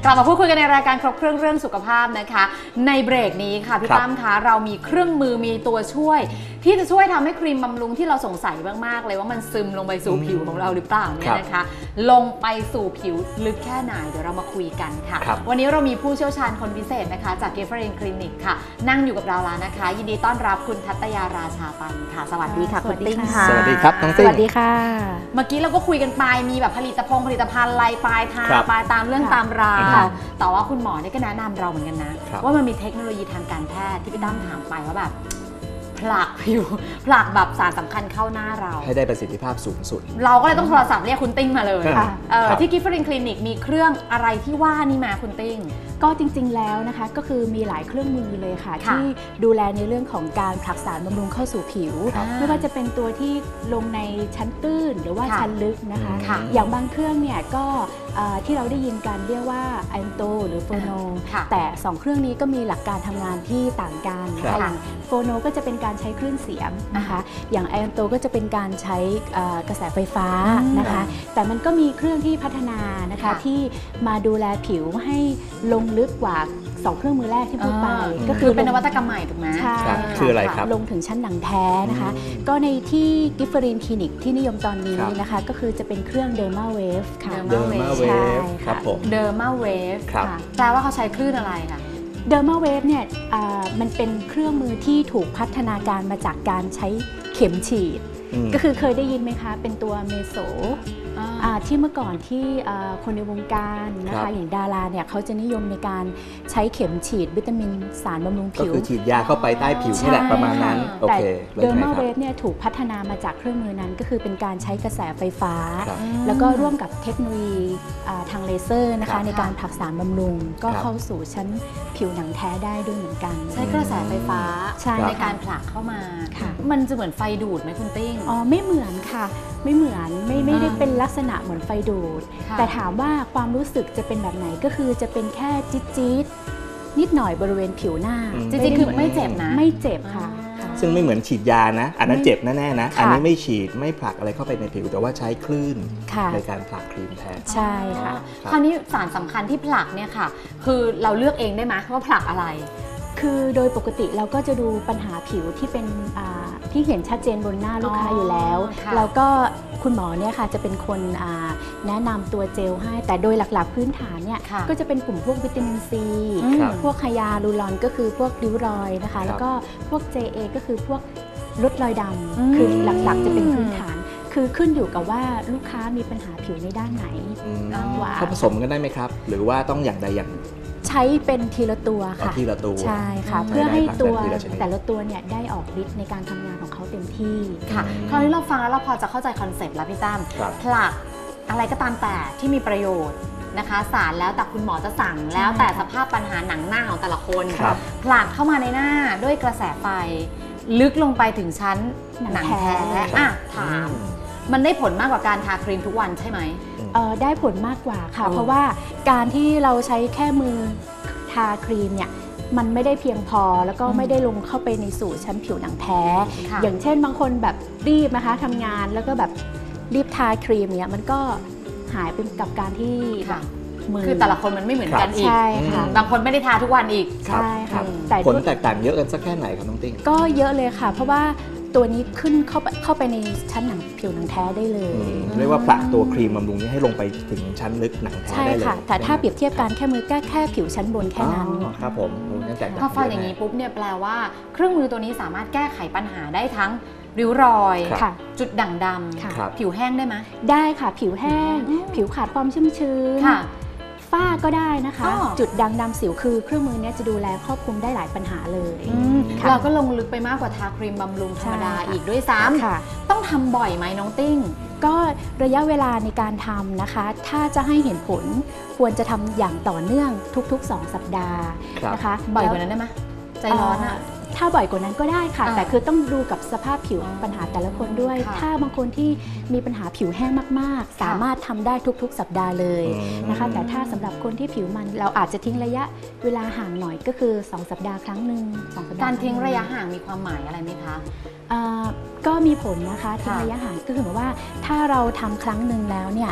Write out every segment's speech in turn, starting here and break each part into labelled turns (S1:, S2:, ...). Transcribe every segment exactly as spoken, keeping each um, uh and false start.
S1: ลับมาพูดคุยกันในรายการครบเครื่องเรื่องสุขภาพนะคะในเบรกนี้ค่ะพี่ตั้มคะเรามีเครื่องมือมีตัวช่วยที่จะช่วยทำให้ครีมบำรุงที่เราสงสัยมากๆเลยว่ามันซึมลงไปสู่ผิวของเราหรือเปล่าเนี่ยนะคะลงไปสู่ผิวลึกแค่ไหนเดี๋ยวเรามาคุยกันค่ะวันนี้เรามีผู้เชี่ยวชาญคนพิเศษนะคะจาก Gifford Clinic ค่ะนั่งอยู่กับเราแล้วนะคะยินดีต้อนรับคุณทัตยาราชาปันค่ะสวัสดีค่ะคุณติ้งค่ะ
S2: สวัสดีครับน้องติ้ง
S3: สวัสดีค่ะ
S1: เมื่อกี้เราก็คุยกันไปมีแบบผลิตภัณฑ์ผลิตภัณฑ์ลายปลายทางปลายตามเรื่องตามราวแต่ว่าคุณหมอเนี่ยก็แนะนำเราเหมือนกันนะว่ามันมีเทคโนโลยีทางการแพทย์ที่พี่ตั้มถามไปว่าแบบผลักผิวผลักแบบสารสำคัญเข้าหน้าเรา
S2: ให้ได้ประสิทธิภาพสูงสุด
S1: เราก็เลยต้องโทรศัพท์เรียกคุณติ้งมาเลยที่ Gifford Clinic มีเครื่องอะไรที่ว่านี่มาคุณติ้ง
S3: ก็จริงๆแล้วนะคะก็คือมีหลายเครื่องมือเลยค่ะที่ดูแลในเรื่องของการผลักสารบำรุงเข้าสู่ผิวไม่ว่าจะเป็นตัวที่ลงในชั้นตื้นหรือว่าชั้นลึกนะคะอย่างบางเครื่องเนี่ยก็ที่เราได้ยินกันเรียกว่าไอโตหรือโฟโนแต่สองเครื่องนี้ก็มีหลักการทำงานที่ต่างกันอย่างโฟโนก็จะเป็นการใช้คลื่นเสียงนะคะอย่างไอโตก็จะเป็นการใช้กระแสไฟฟ้านะคะแต่มันก็มีเครื่องที่พัฒนานะคะที่มาดูแลผิวให้ลงลึกกว่าสองเครื่องมือแรกที่พูดไป
S1: ก็คือเป็นนวัตกรรมใหม่ถูกไหม
S3: ใช่
S2: คืออะไรครับ
S3: ลงถึงชั้นหนังแท้นะคะก็ในที่ Gifford Clinic ที่นิยมตอนนี้นะคะก็คือจะเป็นเครื่อง Derma Wave ค่ะ
S2: Derma Wave ครับผม
S1: Derma Wave ค่ะแปลว่าเขาใช้คลื่นอะไรคะ
S3: Derma Wave เนี่ยมันเป็นเครื่องมือที่ถูกพัฒนาการมาจากการใช้เข็มฉีดก็คือเคยได้ยินไหมคะเป็นตัวเมโซที่เมื่อก่อนที่คนในวงการนะคะอย่างดาราเนี่ยเขาจะนิยมในการใช้เข็มฉีดวิตามินสารบำรุงผิว
S2: ก็คือฉีดยาเข้าไปใต้ผิวนี่แหละประมาณนั้นโอเค
S3: แต่ Derma Wave เนี่ยถูกพัฒนามาจากเครื่องมือนั้นก็คือเป็นการใช้กระแสไฟฟ้าแล้วก็ร่วมกับเทคโนโลยีทางเลเซอร์นะคะในการผลักสารบำรุงก็เข้าสู่ชั้นผิวหนังแท้ได้ด้วยเหมือนกัน
S1: ใช้กระแสไฟฟ้าในการผลักเข้ามามันจะเหมือนไฟดูดไหมคุณติ้ง
S3: อ๋อไม่เหมือนค่ะไม่เหมือนไม่ไม่ได้เป็นลักษณะเหมือนไฟดูดแต่ถามว่าความรู้สึกจะเป็นแบบไหนก็คือจะเป็นแค่จี๊ดจี๊ดนิดหน่อยบริเวณผิวหน้า
S1: จริงๆคือไม่เจ็บนะ
S3: ไม่เจ็บค่ะ
S2: ซึ่งไม่เหมือนฉีดยานะอันนั้นเจ็บแน่ๆนะอันนี้ไม่ฉีดไม่ผลักอะไรเข้าไปในผิวแต่ว่าใช้คลื่นในการผลักครีมแทน
S3: ใช่ค่ะ
S1: คราวนี้สารสำคัญที่ผลักเนี่ยค่ะคือเราเลือกเองได้ไหมว่าผลักอะไร
S3: คือโดยปกติเราก็จะดูปัญหาผิวที่เป็นที่เห็นชัดเจนบนหน้าลูกค้าอยู่แล้วแล้วก็คุณหมอเนี่ยค่ะจะเป็นคนแนะนำตัวเจลให้แต่โดยหลักๆพื้นฐานเนี่ยก็จะเป็นกลุ่มพวกวิตามินซีพวกไฮยาลูรอนก็คือพวกริ้วรอยนะคะแล้วก็พวก เจ เอ ก็คือพวกลดรอยดำคือหลักๆจะเป็นพื้นฐานคือขึ้นอยู่กับว่าลูกค้ามีปัญหาผิวในด้านไหน
S2: เขาผสมกันได้ไหมครับหรือว่าต้องอย่างใดอย่าง
S3: ใช้เป็นทีละตัวค่ะ
S2: ทีละตัว
S3: ใช่ค่ะเพื่อให้ตัวแต่ละตัวเนี่ยได้ออกฤทธิ์ในการทำงานของเขาเต็มที่
S1: ค่ะคราวนี้เราฟังแล้วเราพอจะเข้าใจคอนเซปต์แล้วพี่ตั้มผลักอะไรก็ตามแต่ที่มีประโยชน์นะคะสารแล้วแต่คุณหมอจะสั่งแล้วแต่สภาพปัญหาหนังหน้าของแต่ละคนผลักเข้ามาในหน้าด้วยกระแสไฟลึกลงไปถึงชั้นหนังแท้อ่ะถามมันได้ผลมากกว่าการทาครีมทุกวันใช่ไหม
S3: ได้ผลมากกว่าค่ะเพราะว่าการที่เราใช้แค่มือทาครีมเนี่ยมันไม่ได้เพียงพอแล้วก็ไม่ได้ลงเข้าไปในสู่ชั้นผิวหนังแท้อย่างเช่นบางคนแบบรีบนะคะทำงานแล้วก็แบบรีบทาครีมเนี่ยมันก็หายไปกับการที่แบบ
S1: คือแต่ละคนมันไม่เหมือนกันอีกบางคนไม่ได้ทาทุกวันอีก
S3: ใช่ค่ะ
S2: ผลแตกต่างเยอะกันสักแค่ไหนครับน้องติ้ง
S3: ก็เยอะเลยค่ะเพราะว่าตัวนี้ขึ้นเข้าไปเข้าไปในชั้นหนังผิวหนังแท้ได้เลย
S2: เรียกว่าผลักตัวครีมบำรุงนี้ให้ลงไปถึงชั้นลึกหนังแท้ได้เลย
S3: ใช่ค่ะแต่ถ้าเปรียบเทียบกันแค่มือแค่แค่ผิวชั้นบนแค่นั้น
S2: ครับผม
S1: ถ้าฟังอย่างนี้ปุ๊บเนี่ยแปลว่าเครื่องมือตัวนี้สามารถแก้ไขปัญหาได้ทั้งริ้วรอยจุดด่างดำผิวแห้งได้ไหม
S3: ได้ค่ะผิวแห้งผิวขาดความชุ่มชื้นฝ้าก็ได้นะคะจุดด่างดำสิวคือเครื่องมือนี้จะดูแลครอบคลุมได้หลายปัญหาเลย
S1: เราก็ลงลึกไปมากกว่าทาครีมบำรุงธรรมดาอีกด้วยซ้ำต้องทำบ่อยไหมน้องติ้ง
S3: ก็ระยะเวลาในการทำนะคะถ้าจะให้เห็นผลควรจะทำอย่างต่อเนื่องทุกๆสองสัปดาห์นะคะ
S1: บ่อยกว่านั้นได้ไหมใจร้อนอ่ะ
S3: ถ้าบ่อยกว่านั้นก็ได้ค่ะแต่คือต้องดูกับสภาพผิวปัญหาแต่ละคนด้วยถ้าบางคนที่มีปัญหาผิวแห้งมากๆสามารถทำได้ทุกๆสัปดาห์เลยนะคะแต่ถ้าสำหรับคนที่ผิวมันเราอาจจะทิ้งระยะเวลาห่างหน่อยก็คือสองสัปดาห์ครั้งหนึ่งสองสัปดาห์
S1: การทิ้งระยะห่างมีความหมายอะไรไหมคะ
S3: ก็มีผลนะคะทิ้งระยะห่างก็คือว่าถ้าเราทำครั้งหนึ่งแล้วเนี่ย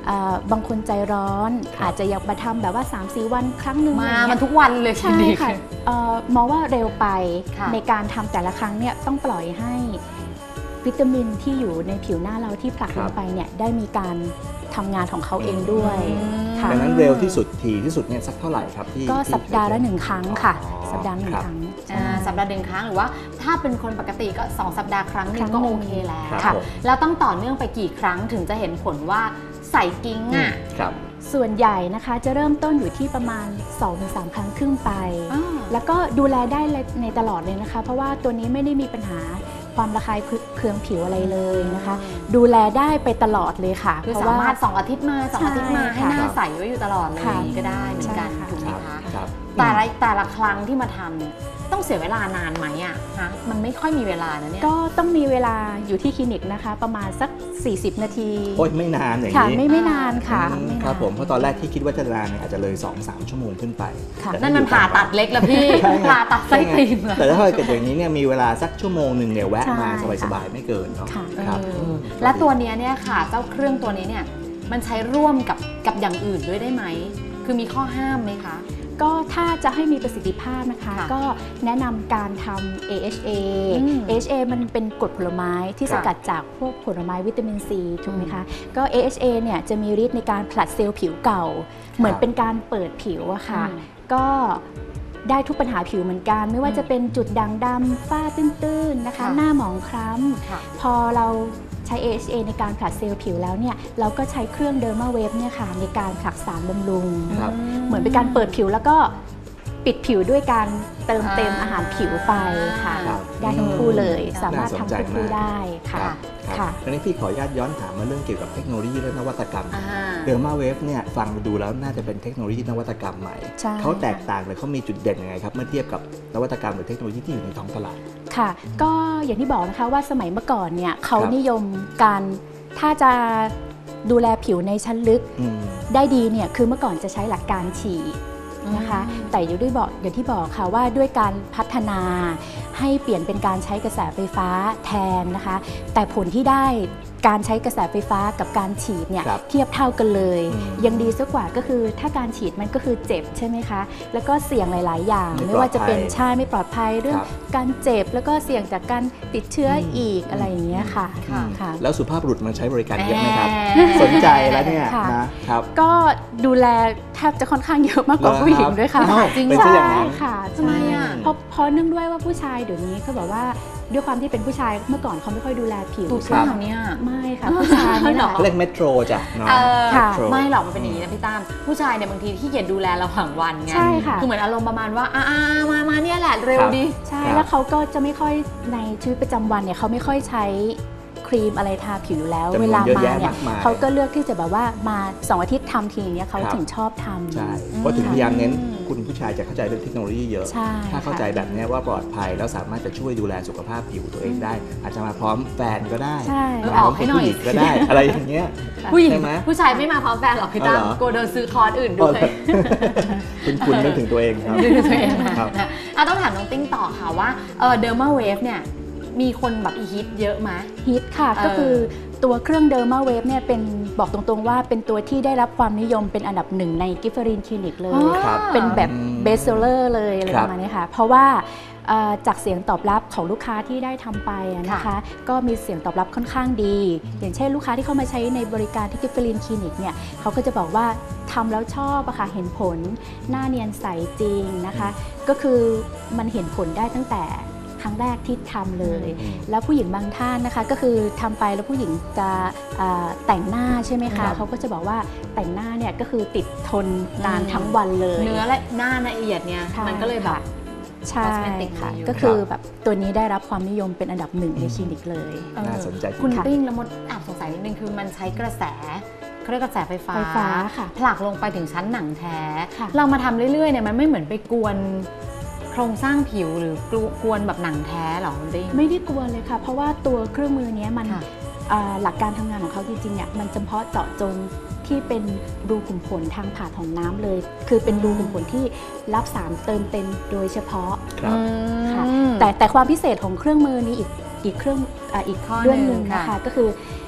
S3: บางคนใจร้อนอาจจะอยากมาทำแบบว่า สามสี่ วันครั้งหนึ่ง
S1: มามันทุกวันเลย
S3: ใช่ค่ะมองว่าเร็วไปในการทำแต่ละครั้งเนี่ยต้องปล่อยให้วิตามินที่อยู่ในผิวหน้าเราที่ผลักลงไปเนี่ยได้มีการทำงานของเขาเองด้วยค่ะ
S2: ดังนั้นเร็วที่สุดทีที่สุดเนี่ยสักเท่าไหร่ครับที่
S3: ก็สัปดาห์ละหนึ่งครั้งค่ะสัปดาห์หนึ่งครั้ง
S1: สัปดาห์หนึ่งครั้งหรือว่าถ้าเป็นคนปกติก็สองสัปดาห์ครั้งนึงก็โอเคแล้ว
S2: ค่ะ
S1: แล้วต้องต่อเนื่องไปกี่ครั้งถึงจะเห็นผลว่าใส่กิ้งอ่ะ
S3: ส่วนใหญ่นะคะจะเริ่มต้นอยู่ที่ประมาณ สองถึงสาม ครั้งครึ่งไปแล้วก็ดูแลได้ในตลอดเลยนะคะเพราะว่าตัวนี้ไม่ได้มีปัญหาความระคายเคืองผิวอะไรเลยนะคะดูแลได้ไปตลอดเลยค่ะ
S1: คือสามารถสองอาทิตย์มาสองอาทิตย์มาให้หน้าใสไว้อยู่ตลอดเลยก็ได้เหมือนกันถูกไหมคะแต่ละแต่ละครั้งที่มาทำเนี่ยต้องเสียเวลานานไหมอ่ะฮะมันไม่ค่อยมีเวลานะเนี่ย
S3: ก็ต้องมีเวลาอยู่ที่คลินิกนะคะประมาณสักสี่สิบนาที
S2: โอ้ยไม่นานอย่าง
S3: นี้ไม่ไม่นานค่ะ
S2: ครับผมเพราะตอนแรกที่คิดว่าจะนานเนี่ยอาจจะเลย สองถึงสาม ชั่วโมงขึ้นไป
S1: นั่นมันผ่าตัดเล็กแล้วพี่ผ่าตัดไส้ติ่ง
S2: แต่ถ้าเกิดอย่างนี้เนี่ยมีเวลาสักชั่วโมงหนึ่งเนี่ยแวะมาสบายๆไม่เกินเนาะ
S1: ครับและตัวนี้เนี่ยค่ะเจ้าเครื่องตัวนี้เนี่ยมันใช้ร่วมกับกับอย่างอื่นด้วยได้ไหมคือมีข้อห้ามไหมคะ
S3: ก็ถ้าจะให้มีประสิทธิภาพนะคะก็แนะนำการทำ เอ เอช เอ เอ เอช เอ มันเป็นกรดผลไม้ที่สกัดจากพวกผลไม้วิตามินซีถูกไหมคะก็ เอ เอช เอ เนี่ยจะมีฤทธิ์ในการผลัดเซลล์ผิวเก่าเหมือนเป็นการเปิดผิวอะค่ะก็ได้ทุกปัญหาผิวเหมือนกันไม่ว่าจะเป็นจุดด่างดำฝ้าตื้นๆนะคะหน้าหมองคล้ำพอเราใช้ เอ เอช เอ ในการผลัดเซลล์ผิวแล้วเนี่ยเราก็ใช้เครื่องเดอร์มาเวฟเนี่ยค่ะในการผลักสารบำรุงเหมือนเป็นการเปิดผิวแล้วก็ปิดผิวด้วยการเติมเต็มอาหารผิวไปค่ะได้ทั้งคู่เลยสามารถทำควบคู่ได้ค่ะ
S2: ค่ะทีนี้พี่ขออนุญาตย้อนถามมาเรื่องเกี่ยวกับเทคโนโลยีและนวัตกรรมเดอร์มาเวฟเนี่ยฟังดูแล้วน่าจะเป็นเทคโนโลยีนวัตกรรมใหม่เขาแตกต่างหรือเขามีจุดเด่นยังไงครับเมื่อเทียบกับนวัตกรรมหรือเทคโนโลยีที่อยู่ในท้องตลาด
S3: ค่ะก็อย่างที่บอกนะคะว่าสมัยเมื่อก่อนเนี่ยเขานิยมการถ้าจะดูแลผิวในชั้นลึกได้ดีเนี่ยคือเมื่อก่อนจะใช้หลักการฉีดนะคะแต่อย่างที่บอกอย่างที่บอกค่ะว่าด้วยการพัฒนาให้เปลี่ยนเป็นการใช้กระแสไฟฟ้าแทนนะคะแต่ผลที่ได้การใช้กระแสไฟฟ้ากับการฉีดเนี่ยเทียบเท่ากันเลยยังดีซะกว่าก็คือถ้าการฉีดมันก็คือเจ็บใช่ไหมคะแล้วก็เสี่ยงหลายๆอย่างไม่ว่าจะเป็นชายไม่ปลอดภัยเรื่องการเจ็บแล้วก็เสี่ยงจากการติดเชื้ออีกอะไรอย่างเงี้ยค่ะ
S2: แล้วสุภาพบุรุษมันใช้บริการเยอะไหมครับสนใจแล้วเนี่ยนะครับ
S3: ก็ดูแลแทบจะค่อนข้างเยอะมากกว่าผู้หญิงด้วยค่ะ
S2: จริงใช่
S3: ค่ะทำไมอ่ะเพราะเพราะเนื่องด้วยว่าผู้ชายเดี๋ยวนี้เขาบอกว่าด้วยความที่เป็นผู้ชายเมื่อก่อนเขาไม่ค่อยดูแลผิว
S1: ใช่ไหมเนี่ย
S3: ไม่ค่ะผู้ชายนี่หรอ
S2: เรียกเมโทรจ้ะ
S1: ไม่หรอกมันเป็นอย่างนี้นะพี่ตั้มผู้ชายเนี่ยบางทีที่เกียจดูแลระหว่างวันไง
S3: ใช่ค่ะ
S1: คือเหมือนอารมณ์ประมาณว่าอ่ามามาเนี่ยแหละเร็วดิ
S3: ใช่แล้วเขาก็จะไม่ค่อยในชีวิตประจำวันเนี่ยเขาไม่ค่อยใช้ครีมอะไรทาผิวแล้วเวลามาเนี่ยเขาก็เลือกที่จะแบบว่ามาสองอาทิตย์ทำทีอย่างเงี้ยเขาถึงชอบทำ
S2: ใช่เพราะถึงพยายามเน้นคุณผู้ชายจะเข้าใจเรื่องเทคโนโลยีเยอะถ้าเข้าใจแบบนี้ว่าปลอดภัยแล้วสามารถจะช่วยดูแลสุขภาพผิวตัวเองได้อาจจะมาพร้อมแฟนก็ได้
S1: ออกให้หน่อย
S2: ก็ได้อะไรอย่างเงี้ย
S1: ผู้หญิงผู้ชายไม่มาพร้อมแฟนหรอกพี่ตั้มโกเดินซื้อคอร์สอื่นด้วย
S2: คุณคุณนึกถึงตัวเองครับ
S1: นึกถึงตัวเองครับต้องถามน้องติ้งต่อค่ะว่าเดอร์มาเวฟเนี่ยมีคนแบบฮิตเยอะไหม
S3: ฮิตค่ะก็คือตัวเครื่องเดอร์มาเวฟเนี่ยเป็นบอกตรงๆว่าเป็นตัวที่ได้รับความนิยมเป็นอันดับหนึ่งในกิฟเฟอรีนคลินิกเลยเป็นแบบเบสเซลเลอร์เลยอะไรประมาณนี้ค่ะเพราะว่าจากเสียงตอบรับของลูกค้าที่ได้ทำไปนะคะก็มีเสียงตอบรับค่อนข้างดีอย่างเช่นลูกค้าที่เข้ามาใช้ในบริการที่กิฟเฟอรีนคลินิกเนี่ยเขาก็จะบอกว่าทำแล้วชอบอะค่ะเห็นผลหน้าเนียนใสจริงนะคะก็คือมันเห็นผลได้ตั้งแต่ครั้งแรกที่ทำเลยแล้วผู้หญิงบางท่านนะคะก็คือทำไปแล้วผู้หญิงจะแต่งหน้าใช่ไหมคะเขาก็จะบอกว่าแต่งหน้าเนี่ยก็คือติดทนนานทั้งวันเลย
S1: เนื้อและหน้าละเอียดเนี่ยมันก็เลยแบบ
S3: ใช่ค่ะก็คือแบบตัวนี้ได้รับความนิยมเป็นอันดับหนึ่งในคลินิกเลย
S2: น่าสนใจ
S1: คุณปิ้งแล้วมดแอบสงสัยนิดนึงคือมันใช้กระแสเขาเรียกกระแสไฟฟ้าผลักลงไปถึงชั้นหนังแท้เรามาทำเรื่อยๆเนี่ยมันไม่เหมือนไปกวนโครงสร้างผิวหรือกวนแบบหนังแท้หรอคุณติ้ง
S3: ไม่ได้กวนเลยค่ะเพราะว่าตัวเครื่องมือนี้มันหลักการทำงานของเขาจริงๆเนี่ยมันเฉพาะเจาะจงที่เป็นรูขุมขนทางผ่าของน้ำเลยคือเป็นรูขุมขนที่รับสารเติมเต็มโดยเฉพาะค่ะแต่แต่ความพิเศษของเครื่องมือนี้อีกอีกเครื่องอีกเรื่องหนึ่งนะคะก็คือ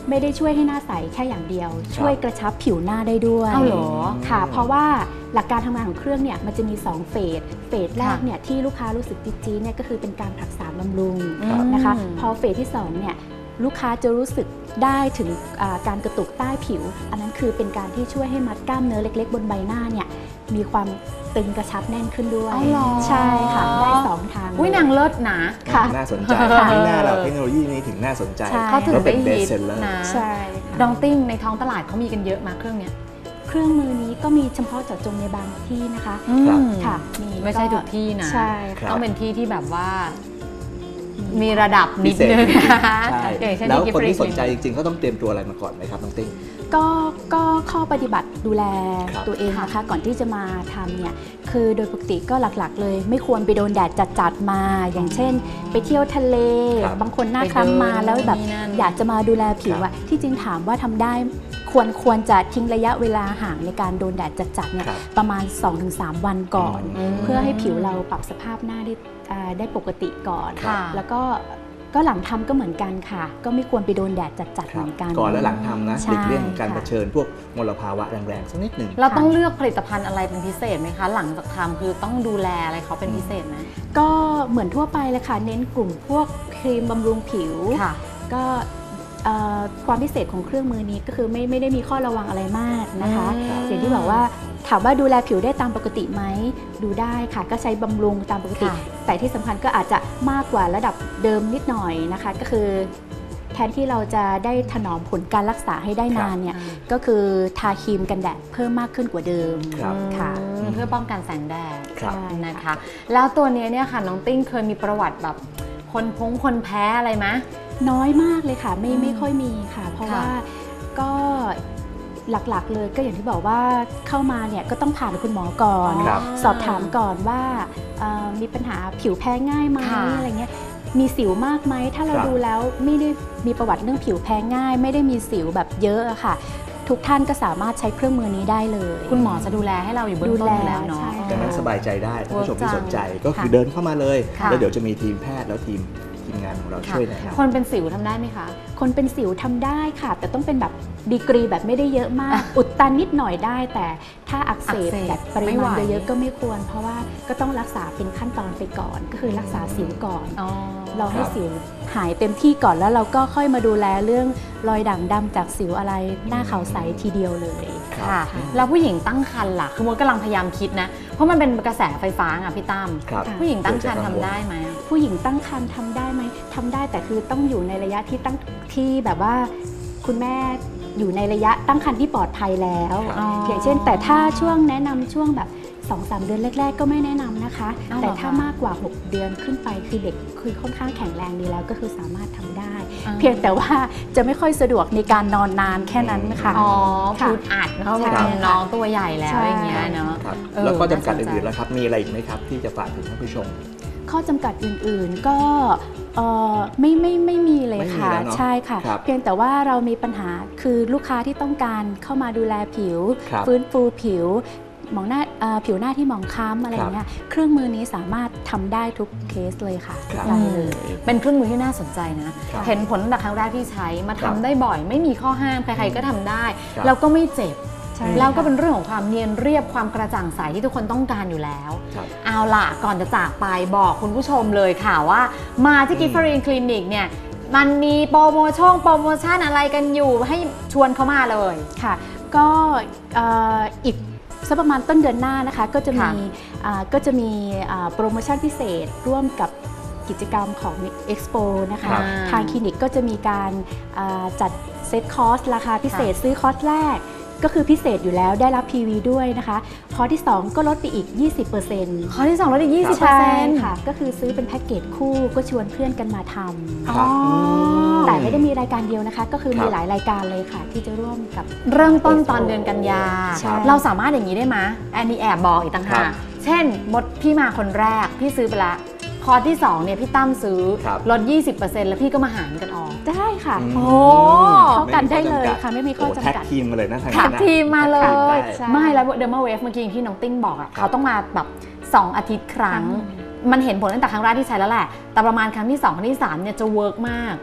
S3: ไม่ได้ช่วยให้หน้าใสแค่อย่างเดียว ช่วยกระชับผิวหน้าได้ด้วย
S1: อ้าวเหรอ
S3: ค่ะเพราะว่าหลักการทำงานของเครื่องเนี่ยมันจะมีสองเฟสเฟสแรกเนี่ยที่ลูกค้ารู้สึกจี๊ดๆเนี่ยก็คือเป็นการผลักษาบำรุงนะคะพอเฟสที่สองเนี่ยลูกค้าจะรู้สึกได้ถึงการกระตุกใต้ผิวอันนั้นคือเป็นการที่ช่วยให้มัดกล้ามเนื้อเล็กๆบนใบหน้าเนี่ยมีความตึงกระชับแน่นขึ้นด้วยใช่ค่ะได้สองทาง
S1: อุ้ยนางเลิศนะ
S2: ค่ะน่าสนใจที่หน้าเราเทคโนโลยีนี้ถึงน่าสนใจ
S1: เขาถึงได้ฮิตนะ
S3: ใช่
S1: ดองติ้งในท้องตลาดเขามีกันเยอะมาเครื่องเนี้ย
S3: เครื่องมือนี้ก็มีเฉพาะเจาะจงในบางที่นะคะค่ะ
S1: ไม่ใช่ทุกที่นะ
S3: ใช่
S1: ต้องเป็นที่ที่แบบว่ามีระดับนิดนึง
S2: แล้วคนที่สนใจจริงๆเขาต้องเตรียมตัวอะไรมาก่อนไหมครับน้องติ้ง
S3: ก็ก็ข้อปฏิบัติดูแลตัวเองนะคะก่อนที่จะมาทำเนี่ยคือโดยปกติก็หลักๆเลยไม่ควรไปโดนแดดจัดๆมาอย่างเช่นไปเที่ยวทะเลบางคนหน้าคล้ำมาแล้วแบบอยากจะมาดูแลผิวอะที่จริงถามว่าทำได้ควรควรจะทิ้งระยะเวลาห่างในการโดนแดดจัดๆเนี่ยประมาณ สองถึงสาม วันก่อนเพื่อให้ผิวเราปรับสภาพหน้าได้ได้ปกติก่อนแล้วก็ก็หลังทำก็เหมือนกันค่ะก็ไม่ควรไปโดนแดดจัดๆเหมือนกัน
S2: ก่อนและหลังทำนะหลีกเลี่ยงการเผชิญพวกมลภาวะแรงๆสักนิดหนึ่ง
S1: เราต้องเลือกผลิตภัณฑ์อะไรเป็นพิเศษไหมคะหลังจากทำคือต้องดูแลอะไรเขาเป็นพิเศษไหม
S3: ก็เหมือนทั่วไปเลยค่ะเน้นกลุ่มพวกครีมบำรุงผิวก็ความพิเศษของเครื่องมือนี้ก็คือไม่ไม่ได้มีข้อระวังอะไรมากนะคะอย่างที่บอกว่าถามว่าดูแลผิวได้ตามปกติไหมดูได้ค่ะก็ใช้บำรุงตามปกติแต่ที่สำคัญก็อาจจะมากกว่าระดับเดิมนิดหน่อยนะคะก็คือแทนที่เราจะได้ถนอมผลการรักษาให้ได้นานเนี่ยก็คือทาครีมกันแดดเพิ่มมากขึ้นกว่าเดิมค่ะ
S1: เพื่อป้องกันแสงแดดนะคะแล้วตัวนี้เนี่ยค่ะน้องติ้งเคยมีประวัติแบบคนพงคนแพ้อะไรไหม
S3: น้อยมากเลยค่ะไม่ไม่ค่อยมีค่ะเพราะว่าก็หลักๆเลยก็อย่างที่บอกว่าเข้ามาเนี่ยก็ต้องผ่านคุณหมอก่อนสอบถามก่อนว่ามีปัญหาผิวแพ้ง่ายไหมอะไรเงี้ยมีสิวมากไหมถ้าเราดูแล้วไม่ได้มีประวัติเรื่องผิวแพ้ง่ายไม่ได้มีสิวแบบเยอะอะค่ะทุกท่านก็สามารถใช้เครื่องมือนี้ได้เลย
S1: คุณหมอจะดูแลให้เราอยู่เบื้องต้นแล้วเนาะ
S2: ดังนั้นสบายใจได้ท่านผู้ชมที่สนใจก็คือเดินเข้ามาเลยแล้วเดี๋ยวจะมีทีมแพทย์แล้วทีมทีมงานของเราช่วยนะครับ
S1: คนเป็นสิวทำได้ไหมคะ
S3: คนเป็นสิวทำได้ค่ะแต่ต้องเป็นแบบดีกรีแบบไม่ได้เยอะมากอุดตันนิดหน่อยได้แต่ถ้าอักเสบแบบปริมาณเยอะๆก็ไม่ควรเพราะว่าก็ต้องรักษาเป็นขั้นตอนไปก่อนก็คือรักษาสิวก่อนเราให้สิวหายเต็มที่ก่อนแล้วเราก็ค่อยมาดูแลเรื่องรอยด่างดำจากสิวอะไรหน้าขาวใสทีเดียวเลย
S1: ค่ะแล้วผู้หญิงตั้งครรภ์ล่ะคือมดกำลังพยายามคิดนะเพราะมันเป็นกระแสไฟฟ้าอ่ะพี่ตั้มผู้หญิงตั้งครรภ์ทำได้ไหม
S3: ผู้หญิงตั้งครรภ์ทำได้ไหมทำได้แต่คือต้องอยู่ในระยะที่ตั้งที่แบบว่าคุณแม่อยู่ในระยะตั้งครรภ์ที่ปลอดภัยแล้วอย่างเช่นแต่ถ้าช่วงแนะนำช่วงแบบ สองถึงสาม เดือนแรกๆก็ไม่แนะนำนะคะแต่ถ้ามากกว่าหกเดือนขึ้นไปคือเด็กคือค่อนข้างแข็งแรงดีแล้วก็คือสามารถทำได้เพียงแต่ว่าจะไม่ค่อยสะดวกในการนอนนานแค่นั้นค่ะ
S1: อ๋อพูดอัดเนาะน้องตัวใหญ่แล้วอย่างเงี้ยเนาะ
S2: แล้วก็จำกัดอื่นๆแล้วครับมีอะไรอีกไหมครับที่จะฝากถึงท่านผู้ชม
S3: ข้อจำกัดอื่นๆก็ไม่ไม่ไม่มีเลยค่ะใช่ค่ะเพียงแต่ว่าเรามีปัญหาคือลูกค้าที่ต้องการเข้ามาดูแลผิวฟื้นฟูผิวหมองหน้าผิวหน้าที่หมองคล้ำอะไรเงี้ยเครื่องมือนี้สามารถทำได้ทุกเคสเลยค่ะ
S1: เป็นเครื่องมือที่น่าสนใจนะเห็นผลตั้งแต่ครั้งแรกที่ใช้มาทำได้บ่อยไม่มีข้อห้ามใครๆก็ทำได้แล้วก็ไม่เจ็บแล้วก็เป็นเรื่องของความเนียนเรียบความกระจ่างใสที่ทุกคนต้องการอยู่แล้วเอาล่ะก่อนจะจากไปบอกคุณผู้ชมเลยค่ะว่ามาที่กิฟฟรีนคลินิกเนี่ยมันมีโปรโมชั่นโปรโมชั่นอะไรกันอยู่ให้ชวนเขามาเลย
S3: ค่ะก็อีกสักประมาณต้นเดือนหน้านะคะก็จะมีก็จะมีโปรโมชั่นพิเศษร่วมกับกิจกรรมของ Expo นะคะทางคลินิกก็จะมีการจัดเซตคอร์สราคาพิเศษซื้อคอร์สแรกก็คือพิเศษอยู่แล้วได้รับ พี วี ด้วยนะคะคอร์สที่สองก็ลดไปอีก ยี่สิบเปอร์เซ็นต์
S1: คอร์สที่สองลดอีก ยี่สิบเปอร์เซ็นต์
S3: ค่ะก็คือซื้อเป็นแพ็กเกจคู่ก็ชวนเพื่อนกันมาทำแต่ไม่ได้มีรายการเดียวนะคะก็คือมีหลายรายการเลยค่ะที่จะร่วมกับ
S1: เริ่มต้นตอนเดือนกันยาเราสามารถอย่างนี้ได้ไหมแอนนี่แอบบอกอีกต่างหากเช่นมดพี่มาคนแรกพี่ซื้อไปละคอร์สที่สองเนี่ยพี่ตั้มซื้อลด ยี่สิบเปอร์เซ็นต์ แล้วพี่ก็มาหารกันออก
S3: ได้ค่ะโอ้เข้ากันได้เลยค่ะไม่มีข้อจำกัด
S2: แท็กทีมมาเลยนะ
S1: แท็กทีมมาเลยไม่แล้วเดอร์มาเวฟเมื่อกี้ที่น้องติ้งบอกอ่ะเขาต้องมาแบบสองอาทิตย์ครั้งมันเห็นผลตั้งแต่ครั้งแรกที่ใช้แล้วแหละแต่ประมาณครั้งที่สองครั้งที่สามเนี่ยจะเวิร์กมาก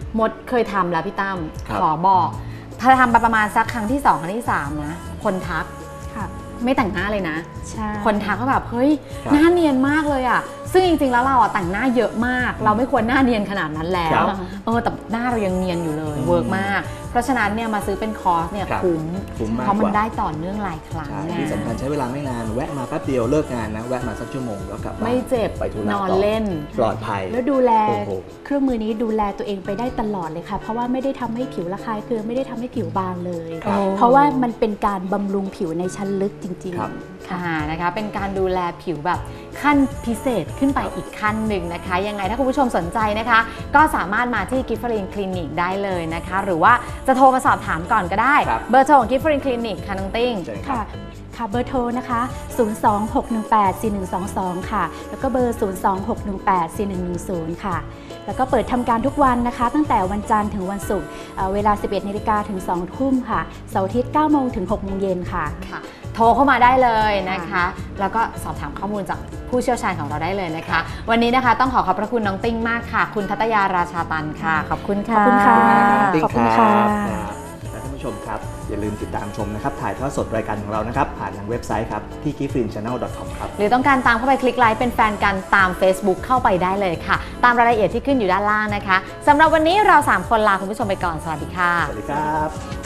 S1: มดเคยทำแล้วพี่ตั้ม
S2: ครับ
S1: ขอบอกพอทำไปประมาณสักครั้งที่สองครั้งที่สามนะคนทัก
S3: ค่ะ
S1: ไม่แต่งหน้าเลยนะ
S3: ใช่
S1: คนทักก็แบบเฮ้ย
S2: ครับ
S1: หน้าเนียนมากเลยอ่ะซึ่งจริงๆแล้วเราอ่ะแต่งหน้าเยอะมาก เราไม่ควรหน้าเนียนขนาดนั้นแล้
S2: ครั
S1: ว
S2: บ
S1: เออแต่หน้าเรายังเนียนอยู่เลย
S2: อืม
S1: เวิร์กมาก เพราะฉะนั้นเนี่ยมาซื้อเป็นคอร์สเนี่ย
S2: ครับ
S1: คุ้ม
S2: คุ้มมาก
S1: เพราะมัน
S2: กว่า
S1: ได้ต่อเนื่องหลายครั้ง
S2: ใช่
S1: ไง
S2: ที่สำคัญใช้เวลาไม่นานแวะมาแป๊บเดียวเลิกงานนะแวะมาสักชั่วโมงแล้วกลับบ้าน
S1: ไม่เจ็บ
S2: ไปธุระ
S1: นอน
S2: ต่
S1: เล่น
S2: ปลอดภัย
S3: แล้วดูแล
S2: โอ้โห
S3: เครื่องมือนี้ดูแลตัวเองไปได้ตลอดเลยค่ะ เพราะว่าไม่ได้ทำให้ผิวระคายเคืองไม่ได้ทำให้ผิวบางเลย
S2: ครับ
S3: เพราะว่ามันเป็นการบำรุงผิวในชั้นลึกจริง
S2: ครับ
S3: ๆค่ะ
S1: ค่ะนะคะเป็นการดูแลผิวแบบขั้นพิเศษขึ้นไปอีกขั้นหนึ่งนะคะยังไงถ้าคุณผู้ชมสนใจนะคะ ก็สามารถมาที่กิฟฟรีนคลินิกได้เลยนะคะ หรือว่าจะโทรมาสอบถามก่อนก็ได้
S2: ครับ
S1: เบอร์โทรของกิฟฟรีนคลินิกค่ะน้องติ้ง
S2: เชิญครั
S3: ค่ะ
S2: บ
S3: ค่ะ เบอร์โทรนะคะ ศูนย์ สอง หก หนึ่ง แปด สี่ หนึ่ง สอง สอง ค่ะ แล้วก็เบอร์ ศูนย์ สอง หก หนึ่ง แปด สี่ หนึ่ง หนึ่ง ศูนย์ ค่ะ แล้วก็เปิดทำการทุกวันนะคะ ตั้งแต่วันจันทร์ถึงวันศุกร์เอ่อเวลา สิบเอ็ดนาฬิกาถึง สองทุ่มค่ะ เสาร์อาทิตย์ เก้าโมงถึง หกโมงเย็นค่ะ
S1: ค่ะ โทรเข้ามาได้เลยนะคะ
S3: ค่ะ
S1: แล้วก็สอบถามข้อมูลจากผู้เชี่ยวชาญของเราได้เลยนะคะ วันนี้นะคะต้องขอขอบพระคุณน้องติ้งมากค่ะ คุณทัตยาราชาตันค่ะ ขอบคุณค่ะ
S3: ขอบคุณค่ะ
S2: ขอบคุณ
S3: ขอบคุณค่ะ
S2: ครับและท่านผู้ชมครับ อย่าลืมติดตามชมนะครับ ถ่ายทอดสดรายการของเรานะครับ ผ่านทางเว็บไซต์ครับที่ กิฟฟรีน ชาแนล ดอท คอม ครับ
S1: หรือต้องการตามเข้าไปคลิกไลค์เป็นแฟนกันตาม Facebook เข้าไปได้เลยค่ะ ตามรายละเอียดที่ขึ้นอยู่ด้านล่างนะคะสำหรับวันนี้เราสามคนลาคุณผู้ชมไปก่อนสวัสดีค่ะ
S2: สวัสดีครับ